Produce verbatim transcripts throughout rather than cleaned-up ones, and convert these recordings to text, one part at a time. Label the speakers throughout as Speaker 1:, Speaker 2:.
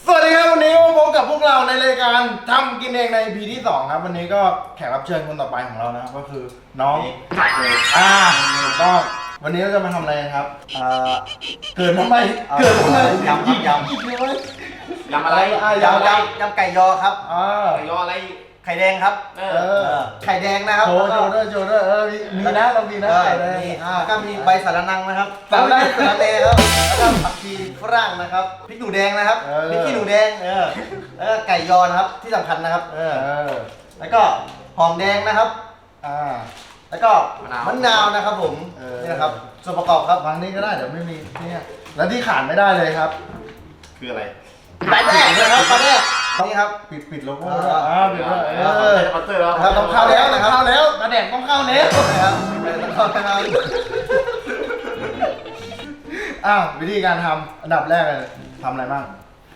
Speaker 1: สวัสดีครับวันนี้มาพบกับพวกเราในรายการทำกินเองใน อี พี ที่สองครับวันนี้ก็แขกรับเชิญคนต่อไปของเรานะครับก็คือน้องอ่าก็วันนี้เราจะมาทำอะไรครับอ่าเกิดทำไมเกิดทำไม
Speaker 2: ยำครับยำ
Speaker 1: อีกแล้ว
Speaker 3: ยำอะไร
Speaker 1: อ่ะ
Speaker 2: ยำ
Speaker 1: ยำอะไร
Speaker 2: ยำยำไก่ยอครับ
Speaker 1: อ่า
Speaker 3: ไก่ยออะไร
Speaker 2: ไข่แดงครับ
Speaker 3: เอ
Speaker 1: เอ
Speaker 3: อ
Speaker 1: อ
Speaker 2: ไข่แดงนะครับ
Speaker 1: โชว์โชว์ด้วยโชว์ด้วยเออมีมีนะเรามีนะ
Speaker 2: เออ
Speaker 1: ไข่แดง
Speaker 2: นี่
Speaker 1: อ่า
Speaker 2: แล้วก็มีใบสาระนังนะครับ
Speaker 1: สาระนัง
Speaker 2: สาระเลครับแล้วก็ผักชีฝรั่งนะครับพริกหนูแดงนะครับ
Speaker 1: เออ
Speaker 2: พริกขี้หนูแดงเออแล้วก็ไก่ยอนะครับที่สำคัญนะครับเอ
Speaker 1: เอ
Speaker 2: อ
Speaker 1: อ
Speaker 2: แล้วก็หอมแดงนะครับ
Speaker 1: อ่า
Speaker 2: แล้วก็มะนาวนะครับผม
Speaker 1: เออ
Speaker 2: นี่นะครับส่วนประกอบครับ
Speaker 1: ฟังนี้ก็ได้เดี๋ยวไม่มีเนี่ยแล้วที่ขาดไม่ได้เลยครับ
Speaker 3: คืออะไร
Speaker 2: ปลาแดกนะครับปลาแดกนี่ครับ
Speaker 1: ปิดปิดโลโก้
Speaker 2: อ่า
Speaker 1: ด้วยอ่าปิดด้วยเอ
Speaker 3: เอ
Speaker 1: อ
Speaker 3: อสปอนเซอร์แล้ว
Speaker 2: ครับ
Speaker 1: ต้องเข้าแล้วนะครับเข้าแล้วกระแดกต้องเข้าแล้ว
Speaker 2: นะครับเออต้องเข้านะครับ
Speaker 1: อ้าววิธีการทำอันดับแรกเลยทำอะไรบ้าง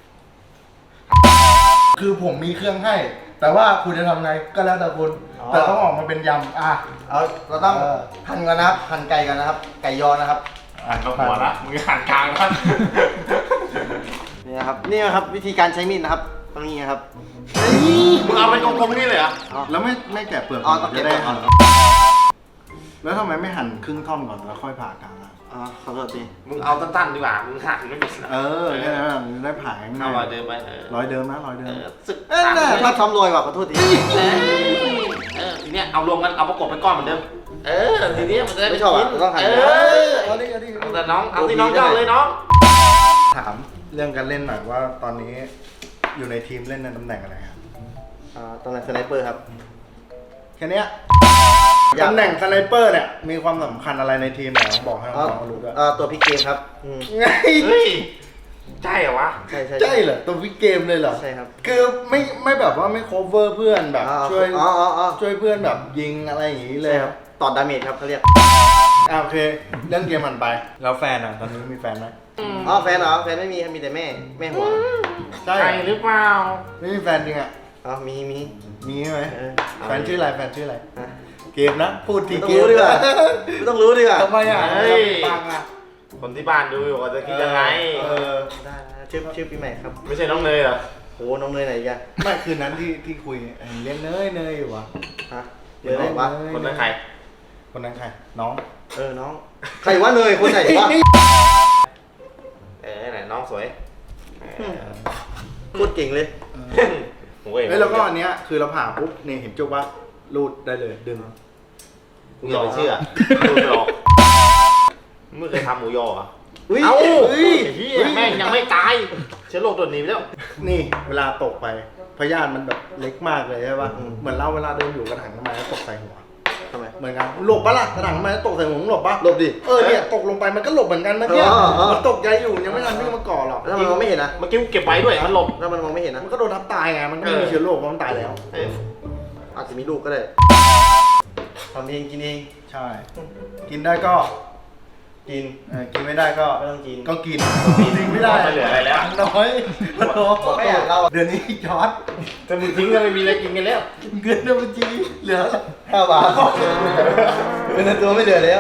Speaker 1: คือผมมีเครื่องให้ แต่ว่าคุณจะทำไงก็แล้วแต่คุณแต่ต้องออกมาเป็นยำอ่ะ
Speaker 2: เอาเราต้อง
Speaker 1: เออ
Speaker 2: หั่นกันนะครับหั่นไก่กันนะครับ ไก่ยอนะครับ
Speaker 3: อ่านกับหัวละมึงหันกลางนะ
Speaker 2: นี่นะครับนี่นะครับวิธีการใช้มีดนะครับตรงนี้นะครับ
Speaker 3: มึงเอาเป็นกลมๆนี่เลยเหรอ
Speaker 1: แล้วไม่ไม่แกะเปลือก
Speaker 2: อ๋อต้องแกะ
Speaker 1: จะได้
Speaker 2: เปลือกก่อน
Speaker 1: แล้วทำไมไม่หั่นครึ่งท่อนก่อนแล้วค่อยผ่ากลางอ่ะ
Speaker 2: อ๋อขอโทษที
Speaker 3: มึงเอาตั้นๆดีกว่ามึงหันไม่เป็น
Speaker 1: เออแค่นั้นอ่ะได้ผ่าง่าย
Speaker 3: เอารอยเดิมไปเออ
Speaker 1: ร้อยเดิมนะร้อยเดิ
Speaker 3: เอ
Speaker 1: ม
Speaker 3: อสึก
Speaker 2: เอ้ยน่ะถ้าทำโรยว่ะขอโทษที
Speaker 3: เออเออทีเนี้ยเอารวมกันเอาประกบเป็นก้อนเหมือนเดิมเออทีเนี้ยมันจะได้
Speaker 2: ไม่ชอบอ่ะต้องหั่น
Speaker 3: เอ
Speaker 2: เอ
Speaker 3: อ
Speaker 1: เอาดิเอาดิ
Speaker 3: เอาแต่น้องเอาที่น้องเจ้าเลยน้อง
Speaker 1: ถามเรื่องการเล่นหน่อยว่าตอนนี้อยู่ในทีมเล่นในตำแหน่งอะไรครับ
Speaker 2: อ่าตำแหน่งสไนเปอร์ครับ
Speaker 1: แค่เนี้ย
Speaker 2: อยาก
Speaker 1: ตำแหน่งสไนเปอร์เนี่ยมีความสำคัญอะไรในทีมไหนบอกให้
Speaker 2: อ๋อ
Speaker 1: น้องๆรู้ด้วย
Speaker 2: อ่าตัวพลิกเกมครับอืม
Speaker 1: ไง
Speaker 3: เฮ้ยใช่เหรอวะ
Speaker 2: ใช่ใช่
Speaker 1: ใช่เหรอตัววิกเกมเลยเหรอ
Speaker 2: ใช่ครับ
Speaker 1: คือไม่ไม่แบบว่าไม่ cover เพื่อนแบบ
Speaker 2: อ๋อ
Speaker 1: ช่วย
Speaker 2: อ๋ออ๋ออ๋อ
Speaker 1: ช่วยเพื่อนแบบยิงอะไรอย่างนี้เลย
Speaker 2: ใช่ครับต่อดาเมจครับเขาเรียก
Speaker 1: อ่าโอเคเรื่องเกมมันไปแล้วแฟนอ่ะตอนนี้มีแฟนไหม
Speaker 2: อ๋อแฟนเหรอแฟนไม่มีครับมีแต่แม่แม่หัว
Speaker 1: ใช่
Speaker 3: ใช่หรือเปล่า
Speaker 1: ไม่มีแฟนจริงอ่ะ
Speaker 2: อ๋อมีมี
Speaker 1: มีใช่ไหม
Speaker 2: เออ
Speaker 1: แฟนชื่ออะไรแฟนชื่ออะไร
Speaker 2: ฮะ
Speaker 1: เกมนะพูดที
Speaker 2: ไม่ต้อง
Speaker 1: เกม
Speaker 2: รู้ดีกว่าไม่ต้องรู้ดีกว่า
Speaker 1: ทำไมอ่ะ
Speaker 3: เฮ้ย
Speaker 1: ปังอ่ะ
Speaker 3: คนที่บ้านดูอยู่ว่าจะคิดยังไง
Speaker 1: เออ
Speaker 2: ได้ชื่อชื่อปีใหม่ครับ
Speaker 3: ไม่ใช่น้องเนยเหรอ
Speaker 2: โหน้องเนยไหนกัน
Speaker 1: ไม่คืนนั้นที่ที่คุยเอ้ยเรียนเนยเนยอยู่วะ
Speaker 2: ฮะเนยไหนวะ
Speaker 3: คนนั้นใคร
Speaker 1: คนนั้นใครน้อง
Speaker 2: เออน้องใครวะเนยคนไหนวะ
Speaker 3: เออไหนน้องสวย
Speaker 2: พูดเก่งเลย
Speaker 3: โอ้ย
Speaker 1: เฮ้ยแล้วก็อันเนี้ยคือเราผ่าปุ๊บเนี่ยเห็นจุกว่ารูดได้เลยดึง
Speaker 3: มึงอย่าไปเชื่อดูไปหรอกมึงเคยทำหมูยอเหรอ
Speaker 2: อุ้ย
Speaker 3: เอ้า
Speaker 2: เฮ้ย
Speaker 3: เฮียแม่งยังไม่ตายเชื้อโรคตัวหนีไปแล้ว
Speaker 1: นี่เวลาตกไปพยาธิมันแบบเล็กมากเลยใช่ป่ะเหมือนเราเวลาเดินอยู่กระถางน้ำมันแล้วตกใส่หัว
Speaker 2: ทำไม
Speaker 1: เหมือนกันหลบปะล่ะกระถางน้ำมันแล้วตกใส่หัวมึงหลบปะ
Speaker 2: หลบดิ
Speaker 1: เออเนี่ยตกลงไปมันก็หลบเหมือนกันเมื่อกี้
Speaker 2: อ๋ออ๋อ
Speaker 1: มันตกใจอยู่ยังไม่ทันวิ่งมาก่อหรอก
Speaker 2: แล้วมันมองไม่เห็นนะ
Speaker 3: เมื่อกี้กูเก็บไว้ด้วยมันหลบ
Speaker 2: แล้วมันมองไม่เห็นนะ
Speaker 1: มันก็โดนทับตายไงมันก็ไม่มีเชื้อโรคเพราะมันตายแล้ว
Speaker 3: เออ
Speaker 2: อาจจะมีลูกก็ได้ทำเองกินเอง
Speaker 1: ใช่ กินได้ก็
Speaker 2: กิน
Speaker 1: เออกินไม่ได้ก็
Speaker 2: ไม่ต้องกิน
Speaker 1: ก็กินกินไม่ได้
Speaker 3: ไม่เหลืออะไรแล้ว
Speaker 1: น้อยมันน้อย
Speaker 2: ไม่อยากเล่า
Speaker 1: เดือนนี้ยอด
Speaker 3: ถ้ามึงทิ้งก็ไม่มีอะไรกินกันแล้ว
Speaker 1: เงินในบัญชีเหลือ
Speaker 2: ห้าบาทเป็นตัวไม่เดือดแล้ว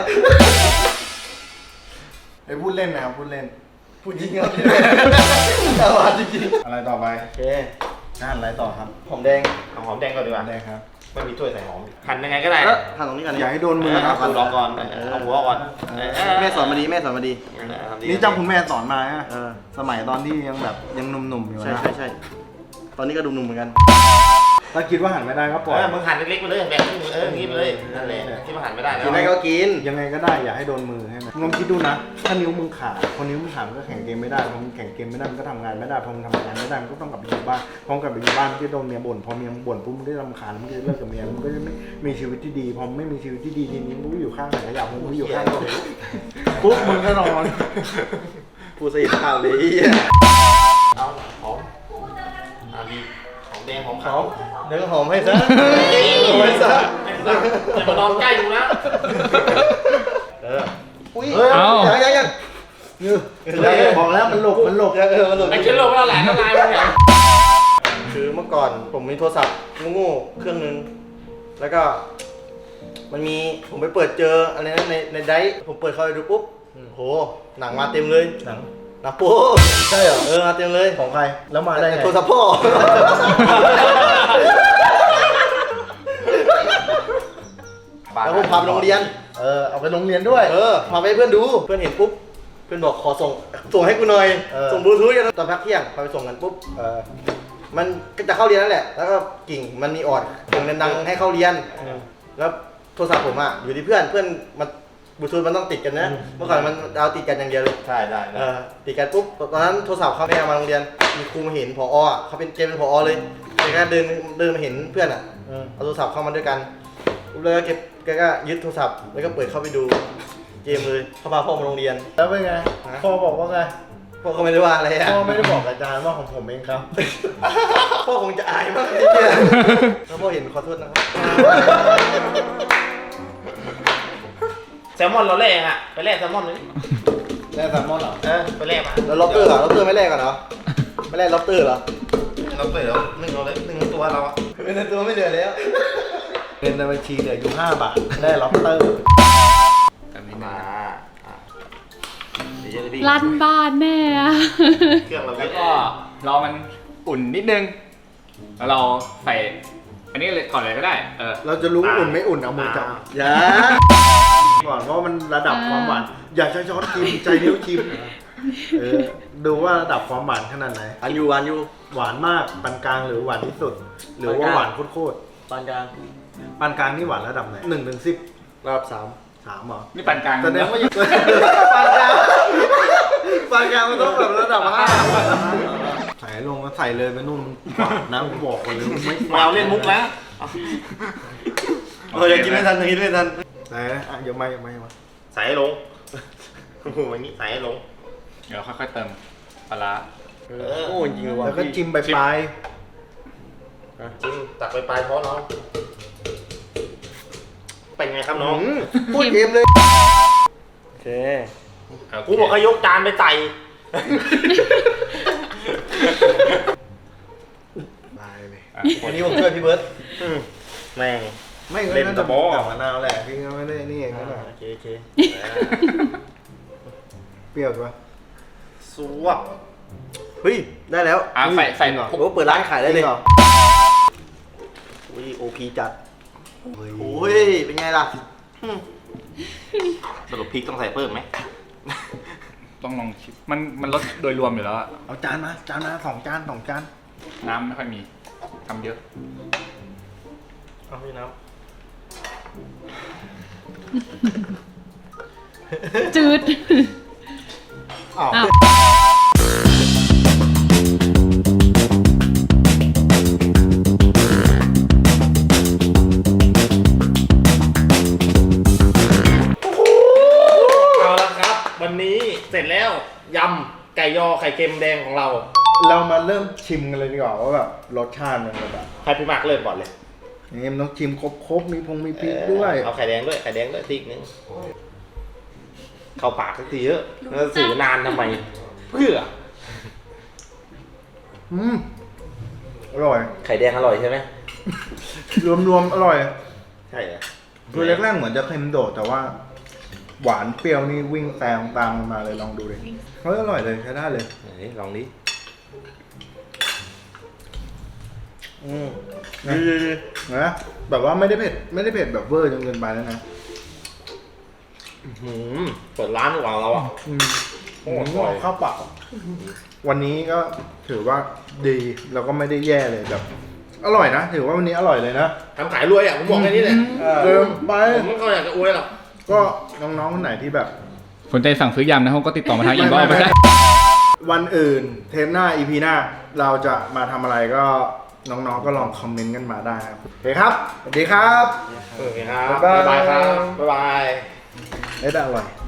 Speaker 1: ไอ้พูดเล่นนะครับพูดเล่น
Speaker 2: พูดจริงครับห้าบาทจริง
Speaker 1: อะไรต่อไป
Speaker 2: ๆโอเค
Speaker 1: งานอะไรต่อครับ
Speaker 2: หอมแดง
Speaker 3: เอาหอมแดงก่อนดีกว่า
Speaker 1: ได้ครับ
Speaker 3: ไม่มีถ้วยใส่หอมหั่นยังไงก็ได้
Speaker 2: แล้วทานตรงนี้กัน
Speaker 1: อย่าให้โดนมือ
Speaker 3: เอา
Speaker 1: ครับ
Speaker 3: ดูลองก่อนเอาหัวก่อน
Speaker 2: แม่สอนมาดีแม่สอนมาดี
Speaker 1: นี่จำคุณแม่สอนมาฮะ
Speaker 2: เออ
Speaker 1: สมัยตอนที่ยังแบบยังหนุ่มๆอยู่
Speaker 2: ใช่
Speaker 1: นะ
Speaker 2: ใช่ใช่ตอนนี้ก็ดุมๆเหมือนกัน
Speaker 1: ถ้าคิดว่าหันไม่ได้ก็ปล่อย
Speaker 3: เออมึงหั่นเล็กๆไปเลยแบ่งครึ่งเอออย่างงี้ไปเลยนั่นแหละที่มันหั่นไม่ได้แล้ว
Speaker 2: กินได้ก็กิน
Speaker 1: ยังไงก็ได้อย่าให้โดนมือให้มันลองคิดดูนะ ถ้านิ้วมึงขาดพอนิ้วมึงขาดมันก็แข่งเกมไม่ได้พอมึงแข่งเกมไม่ได้มันก็ทำงานไม่ได้พอมึงทำงานไม่ได้มันก็ต้องกลับไปอยู่บ้านพอกลับไปอยู่บ้านมันก็โดนเมียบ่นพอเมียมึงบ่นปุ๊บมึงได้รำคาญมึงก็จะเลิกกับเมียมึงก็จะไม่มีชีวิตที่ดีพอไม่มีชีวิตที่ดีทีนี้มึงก็อยู่ข้างไหนก็อยากมึงก็อยู่ข้างตัวเองปุ๊บมึงก็นอน
Speaker 2: พูดสะอิดข้าวเลย
Speaker 3: เอาหอมอ่าดีหอมแดงหอมขาว
Speaker 2: เดี๋ยวก็หอมให้ซะหอมให้ซะ
Speaker 3: จะมานอนใกล้อยู่นะ
Speaker 2: เอออุ้ย
Speaker 1: เฮ้ย
Speaker 2: ยังยังยัง
Speaker 1: บอกแล้วมันหลบมันหลบ
Speaker 2: เออมันหลบ
Speaker 3: ไอ้เชื้อโรคมันแหละละลายมันเนี่ย
Speaker 2: คือเมื่อก่อนผมมีโทรศัพท์โง่ๆเครื่องนึงแล้วก็ มันมีผมไปเปิดเจออะไรนะในในไดร์ผมเปิดเข้าไปดูปุ๊บโหหนังมาเต็มเลย
Speaker 1: หนัง
Speaker 2: นาโป้
Speaker 1: ใช่เหรอ
Speaker 2: เออมาเต็มเลย
Speaker 1: ของใครแล้วมาได้ไง
Speaker 2: โทรศัพท์พ่อ แล้วผมพาไปโรงเรียน
Speaker 1: เออเอาไปโรงเรียนด้วย
Speaker 2: เออพาไปให้เพื่อนดูเพื่อนเห็นปุ๊บเพื่อนบอกขอส่งส่งให้กูหน่อย
Speaker 1: เออ
Speaker 2: ส่งบลูทูธกันตอนพักเที่ยงพอไปส่งกันปุ๊บ
Speaker 1: เออ
Speaker 2: มันก็จะเข้าเรียนนั่นแหละ แล้วก็กิ่งมันมีออดส่งดังๆให้เข้าเรียน แล้วโทรศัพท์ผมอ่ะอยู่ที่เพื่อนเพื่อนมันบลูทูธมันต้องติดกันนะ เมื่อก่อนมันเอาติดกันอย่างเดียวเลย
Speaker 3: ใช่ได้
Speaker 2: เออติดกันปุ๊บตอนนั้นโทรศัพท์เขาไม่เอามาโรงเรียนมีครูมาเห็นผออ่ะเขาเป็นเจเป็นผอเลยแกก็เดินเดินมาเห็นเพื่อนอ่ะ
Speaker 1: อืม
Speaker 2: เอาโทรศัพท์เข้ามาด้วยกันปุ๊บแล้วก็เก็บแกก็ยึดโทรศัพท์แล้วก็เปิดเข้าไปดูเกมเลยเขาพาพ่อมาโรงเรียน
Speaker 1: แล้วเป็นไง
Speaker 2: ฮะ
Speaker 1: พ่อบอกว่าไง
Speaker 2: พ่อก็ไม่ได้ว่าอะไรอ่ะ
Speaker 1: พ่อไม่ได้บอกอาจารย์ว่าของผมเองครับ
Speaker 2: พ่อคงจะอายมากเลยเนี่ยถ้าพ่อเห็นขอโทษนะครับ
Speaker 3: แซลมอนเราแลกอ่ะไปแลกแซลมอนเลย
Speaker 1: ได้แซลมอนเหรอ
Speaker 3: เออไปแลกมา
Speaker 2: แล้วล็อบเตอร์เหรอล็อบเตอร์ไม่แลกกันเหรอไม่แลกล็อบเตอร์เหรอ
Speaker 3: เราเปิดแล้วหนึ่งเราเลยหนึ่งตัวเราอ่ะ
Speaker 2: เป็นในตัวไม่เหลือแล้ว
Speaker 1: เงินในบัญชีเหลืออยู่ห้าบาทได้ล็อบสเตอร์
Speaker 4: แบบนี้
Speaker 3: มา
Speaker 4: นะ
Speaker 3: อ่ะเดี๋ยวจะได้พี่
Speaker 5: ลั่นบ้านแน่อะ
Speaker 3: เครื่องเราเย
Speaker 4: แล้ว
Speaker 3: อะ
Speaker 4: ก็รอมันอุ่นนิดนึง แล้วเราใส่ อันนี้เลยก่อนเลยก็ได้ เออ
Speaker 1: เราจะรู้อุ่นไม่อุ่นเอามือจับ
Speaker 2: อย่า
Speaker 1: ก่อนว่ามันระดับความหวานอยากจะช้อนชิมใจนิ้วชิมเออดูว่าระดับความหวานขนาดไหน
Speaker 2: อันยูอันยู
Speaker 1: หวานมากปานกลางหรือหวานที่สุด หรือว่าหวานโคตร
Speaker 2: ปานกลาง
Speaker 1: ๆปานกลางนี่หวานระดับไหนหนึ่งถึงสิบ
Speaker 2: ระดับสาม
Speaker 1: สามเหรอ
Speaker 4: นี่ปานกลาง
Speaker 1: แสดงว่าอยู่ ปานกลางปานกลางมันต้องแบบระดับห้าใส่ลงก็ใส่เลยไปนู่นหวานนะผมบอกก่อนเลยไม่
Speaker 3: มาเอาเล่นมุกนะ
Speaker 2: เอออยากกินไม่ทันอยากกินไม่ทัน
Speaker 1: ไหนนะอ่ะอย่ามาอย่ามาอย่ามา
Speaker 3: ใส่ให้ลงโอ้โหอย่างนี้ใส่ให้ลง
Speaker 4: เดี๋ยวค่อยๆเติมปลาร้า
Speaker 2: เออโอ้จริงเลยว่ะ
Speaker 1: แล้วก็จิ้มไปปลาย
Speaker 3: จริงตักไปปลายท้องน้องเป็นไงครับน้อง
Speaker 2: อืมพูดเกมเลยโอเค
Speaker 3: กูบอกให้ยกจานไปใส่
Speaker 1: ปลายเลย
Speaker 4: อ่ะ
Speaker 2: วันนี้ผมช่วยพี่เบิร์ต
Speaker 3: อืมแม่ง
Speaker 1: ไม่ก็
Speaker 3: เล่น
Speaker 1: น่า
Speaker 3: ตะ
Speaker 1: จะ
Speaker 3: บอ
Speaker 1: กับมะนาวแหละพี่ก็ไม่ได้นี่เองก็ได้
Speaker 2: โอเคโอเค
Speaker 1: เปรี้ยวใช่ปะ
Speaker 3: สวบ
Speaker 2: เฮ้ยได้แล้ว
Speaker 4: อ่ะใส่ใส่
Speaker 1: จริงเหรอ
Speaker 2: โอ้เปิดร้านขายได้เลย
Speaker 1: จริงหรอ
Speaker 2: อุ้ยโอพีจัดโอ้ยเป็นไงล่ะ
Speaker 3: สรุปพริกต้องใส่เพิ่มไหม
Speaker 4: ต้องลองชิมมันมันรสโดยรวมอยู่แล้วอะ
Speaker 1: เอาจานมาจานมาสองจานสองจาน
Speaker 4: น้ำไม่ค่อยมีทำเยอะ
Speaker 2: เอาพี่น้
Speaker 5: จืด
Speaker 1: อ้าว
Speaker 5: อ้าว
Speaker 3: เอาละครับ วันนี้เสร็จแล้วยำไก่ยอไข่เค็มแดงของเรา
Speaker 1: เรามาเริ่มชิมกันเลยดีกว่าว่าแบบรสชาติมันแบบ
Speaker 3: ใครพี่มากเริ่มก่อนเลย
Speaker 1: นี่มันต้องชิมครบๆมีพงมีพริกด้วย
Speaker 3: เอาไข่แดงด้วยไข่แดงด้วยติ๊กนึงเข้าปากสักทีเยอะแล้วสื่อนานทำไม เพื่อ
Speaker 1: อืมอร่อย
Speaker 3: ไข่แดงอร่อยใช่ไหม
Speaker 1: รวมๆอร่อย
Speaker 3: ใช่เหรอ
Speaker 1: คือแรกๆเหมือนจะเค็มโดดแต่ว่า หวานเปรี้ยวนี่วิ่งแซงตามกันมาเลยลองดูเลยเฮ้ยอร่อยเลยใช้ได้เลย
Speaker 3: ไหนลองดิ
Speaker 2: ำอืม
Speaker 1: นะนะแบบว่าไม่ได้เผ็ดไม่ได้เผ็ดแบบเวอร์จนเกินไปแล้วนะ
Speaker 3: หืมเปิดร้านดีกว่าเราอ่ะ
Speaker 1: อืม
Speaker 3: โอ้
Speaker 1: โอ้
Speaker 3: โห
Speaker 1: โหข้าวเปล่าวันนี้ก็ถือว่าดีแล้วก็ไม่ได้แย่เลยแบบ อร่อยนะถือว่าวันนี้อร่อยเลยนะ
Speaker 3: ทำขายรวยอ่ะผมบอกแค่นี้เลย
Speaker 1: เติมไป
Speaker 3: ผมไม่ค่อยอยากจะอวยหรอก
Speaker 1: ก็น้องๆคนไหนที่แบบ
Speaker 4: สนใจสั่งซื้อยำนะครับก็ติดต่อมาทางอินบ็อกซ์
Speaker 1: ไม่
Speaker 4: ไป
Speaker 1: ไม่
Speaker 4: ได้
Speaker 1: วันอื่นเทปหน้า อี พี หน้า เราจะมาทำอะไรก็น้องๆก็ลองคอมเมนต์กันมาได้ครับโอเคครับสวัสดีครับ
Speaker 3: โอเคครับ
Speaker 1: บ๊ายบาย
Speaker 3: บ๊ายบายครับ บ๊ายบาย
Speaker 1: เอ๊ะแต่อร่อย